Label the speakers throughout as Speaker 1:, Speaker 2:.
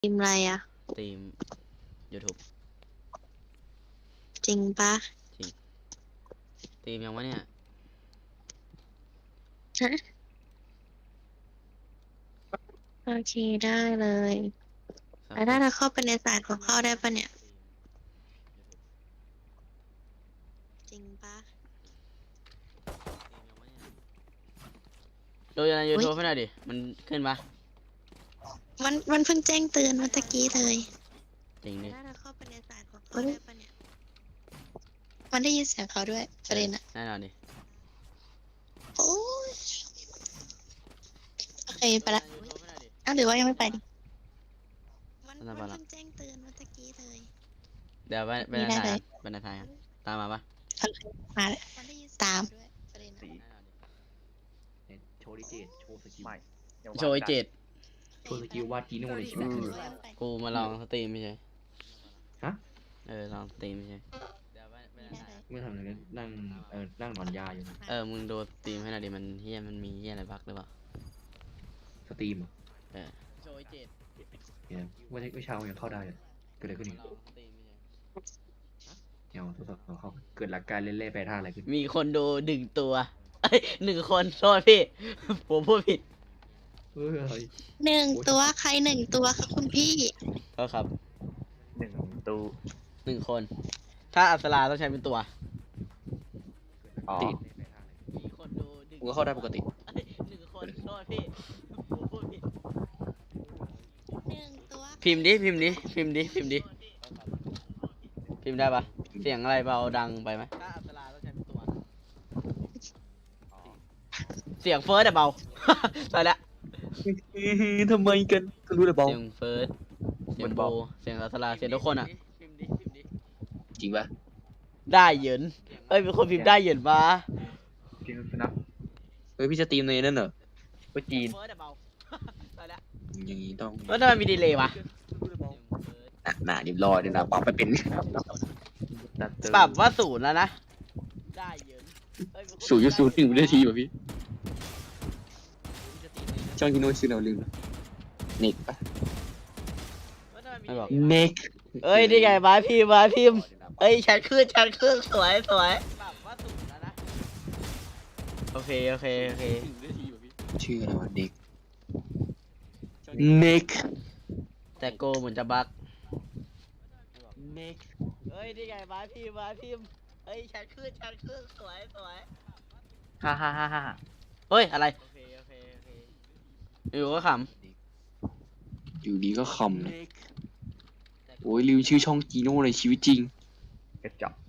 Speaker 1: ทีมอะไรอ่ะ
Speaker 2: ทีม YouTube
Speaker 1: จริงปะ
Speaker 2: จริงทีมยังวะเนี่ย
Speaker 1: ฮะโอเคได้เลยแล้วถ้าเราเข้าไปในสายของเข้าได้ปะเนี่ย จริงปะ
Speaker 2: ดูใน YouTube ให้หน่อยดิ มันขึ้นปะ
Speaker 1: มันเพิ่งแจ้งเตือนเมื่อตะกี้เลย
Speaker 2: จริงดิ
Speaker 1: ถ้าเราเข้าไปในสายของเขาได้ปะเนี่ย มันได้ยินเสียงเขาด้วยประเด็นอะ
Speaker 2: แน่นอนดิ
Speaker 1: โอ้ยโอเคไปละ
Speaker 2: ดูใน YouTube ให้หน่อยดิ
Speaker 1: อ้าวหรือว่ายังไม่ไปดิมัน
Speaker 2: น่าไปละ
Speaker 1: เพิ่งแจ้งเตือนเมื่อตะกี้เลย
Speaker 2: เดี๋ยวไป
Speaker 1: มี
Speaker 2: ใน
Speaker 1: ได้
Speaker 2: ทาง
Speaker 1: เลย
Speaker 2: ไปในทางตามมาปะ
Speaker 1: โอเคมาเลยตามประเด็นอะ
Speaker 3: สี
Speaker 2: แน่นอนดิ
Speaker 3: โชว์ดิเจตโชว์สกิลไม่
Speaker 2: โชว์ไอ้เจ็ด
Speaker 3: โชว์สกิลวาดจีโน่ในชีวิตจริง
Speaker 2: กูมาลองสตรีมไม่ใช่
Speaker 3: ฮะ
Speaker 2: ลองสตรีมไม่ใช่เดี๋ยวไปในทาง
Speaker 3: เมื่อทำอะไรนั่งนั่งนอนยาอยู่นะ
Speaker 2: มึงดูสตรีมให้หน่อยดิ มันเฮียมันมีเฮียอะไรบั๊กหรือเปล่า
Speaker 3: สตรีมอ่ะ
Speaker 2: โชว์ไอ้เจ็ด
Speaker 3: เนี่ยเช้ายังเข้าได้เลยเกิดอะไรขึ้น
Speaker 2: มา
Speaker 3: อีก
Speaker 2: ลองสตรีมไม่ใช่
Speaker 3: เดี๋ยวทดสอบเข้าเกิดหลักการเล่นๆไปท่าอะไรขึ้น
Speaker 2: มีคนดูหนึ่งตัวเอ้ย1 คนโทษพี่ ผมพูดผิด
Speaker 3: เฮ้ย
Speaker 1: หนึ่งตัวใครหนึ่งตัวคะคุณพี่
Speaker 2: โทษครับ
Speaker 4: 1 ตู้
Speaker 2: 1 คน ถ้าอัศราต้องใช้เป็นตัว
Speaker 4: อ๋อ
Speaker 2: มีคนดูหนึ่ง
Speaker 3: กูก็เข้าได้ปกติ
Speaker 2: เอ้ย1 คนโทษพี่ผมพูดผิด
Speaker 1: หนึ่งตัว
Speaker 2: พิมพ์ดิพิมพ์ดิพิมพ์ดิพิมพ์ดิพิมพ์ได้ปะเสียงอะไรเบาดังไปไหมถ้าอัศราต้องใช้เป็นตัว เสียงเฟิร์สอะเบา ไปละ
Speaker 4: ทำไมกันก็รู้เลยบอล
Speaker 2: เสียงเฟิร์สเสียงโบเสียงอัศราเสียงทุกคนอะพิมพ์ดิพิมพ์ดิ
Speaker 3: จริงปะ
Speaker 2: ได้เหยินเอ้ยเป็นคนพิมพ์ได้เหยินมา
Speaker 4: จริงนะ
Speaker 3: เฮ้ยพี่จะตีมในนั่นเหรอ
Speaker 4: ก็จีน
Speaker 2: เฟิร์สอะเบา ไปละ
Speaker 3: อย่างนี้ต้อง
Speaker 2: แล้วทำไมมีดีเลย์วะ
Speaker 3: หนาเรียบร้อยเลยนะปรับไปเป็น
Speaker 4: ดัดเตอร์
Speaker 2: ปรับว่า0แล้วนะ ได้เหยินเอ้ยเป็นคน
Speaker 3: 0.01วินาทีป่ะพี่ช่องที่โน้ตชื่อเราลืมเน็กปะ
Speaker 2: ไม่บอก
Speaker 3: เน็ก
Speaker 2: เอ้ยนี่ไงมาพิมพ์มาพิมพ์เอ้ยชัดขึ้นชัดขึ้นสวยสวยปรับว่า0แล้วนะ โอเคโอเคโอเค
Speaker 3: ชื่ออะไรวะเน็กเน็ก
Speaker 2: แต่โกเหมือนจะบั๊ก
Speaker 3: เน็ก
Speaker 2: เอ้ยนี่ไงมาพิมพ์มาพิมพ์เอ้ยชัดขึ้นชัดขึ้นสวยสวย
Speaker 4: ฮ่า
Speaker 2: เฮ้ยอะไรโอเคโอเคโอเคอยู่ก็ข
Speaker 3: อยู่ดีก็คำนะโอ้ยลืมชื่อช่องจีโน่ในชีวิตจริง
Speaker 4: กระจอก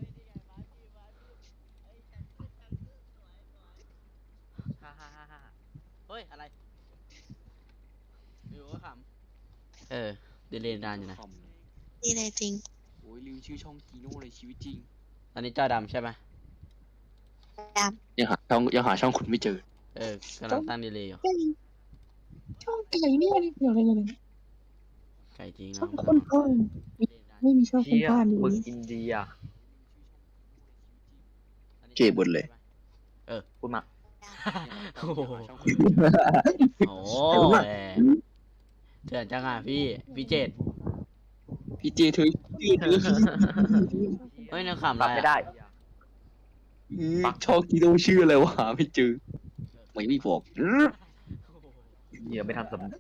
Speaker 2: ฮ่าเฮ้ยอะไรอยู่ก็ขดีเลยนานอยู่นะ
Speaker 1: นี่เลยจริง
Speaker 3: โอ้ยลืมชื่อช่องจีโน่ในชีวิตจริง
Speaker 2: อันนี้จอดำใช่ไหม
Speaker 1: ด
Speaker 3: ยังหาช่องคุณไม่เจอ
Speaker 2: กำลังตั้งดีเลยอยู่
Speaker 5: ช่องไก่เนี่ยเกี่ยวอะไรกันเนี่ย
Speaker 2: ไก่จริง
Speaker 5: ช่อ
Speaker 2: นะ
Speaker 5: งคนพ่นไม่มีช่องคน
Speaker 4: เชี่ย
Speaker 5: พ่าน
Speaker 4: มึง
Speaker 5: นี้
Speaker 4: อินเดีย
Speaker 3: เก็บบนเลย
Speaker 4: พูดมา
Speaker 2: โอ้โหโอ้โหเถื่อนจังอ่ะพี่เจด
Speaker 3: พี่เจเธอ
Speaker 2: เฮ้ยนักขำ
Speaker 4: ป
Speaker 2: อะ
Speaker 4: รับ
Speaker 2: ไร
Speaker 4: ไม่
Speaker 2: อะ
Speaker 4: ได้
Speaker 3: ช่องจีโน่ชื่ออะไรวะหาไม่เจอไม่บอก
Speaker 4: เหี้ยไม่ทันสำ